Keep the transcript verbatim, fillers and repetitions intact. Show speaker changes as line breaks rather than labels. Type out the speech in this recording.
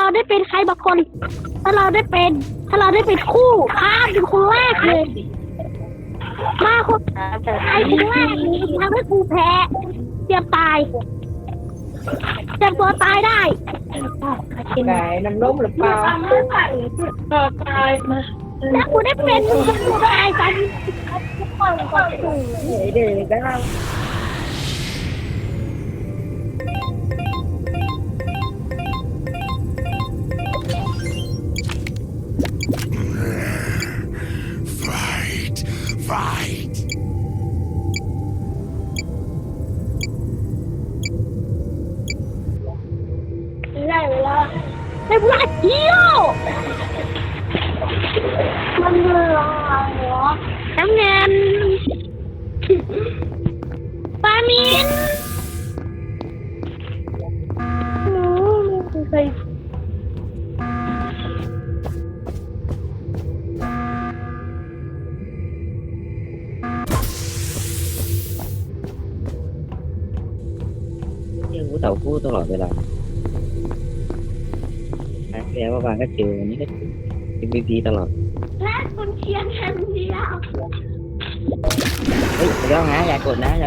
ได้เป็นใครบางคน ถ้าเราได้เป็น ถ้าเราได้เป็นคู่ข้ามเป็นคนแรกเลยมาคนไอ้คนแรกนี่ทำให้กูแพ้เตรียมตายเตรียมตัวตายได้
ไก่น้ำนมหรือเปล่าก็ตายมา
ถ้ากูได้เป็นกูตายกัน
เดี๋ยวได้
Fight! Fight!
ได้เวลาได้เวลาเที่ยวมันเวลาเหรอน้ำเงินปามินหนูไม่เคย
ยังกูเต่าคู่ตลอดเวลาครั้งที่แล้วว่าบางก็เจอวันนี้ก็เจอ เอ็ม วี พี ตลอด
และคุณเชียร์แค่เดียว
เฮ้ยเดี๋ยวนะอย่ากดนะ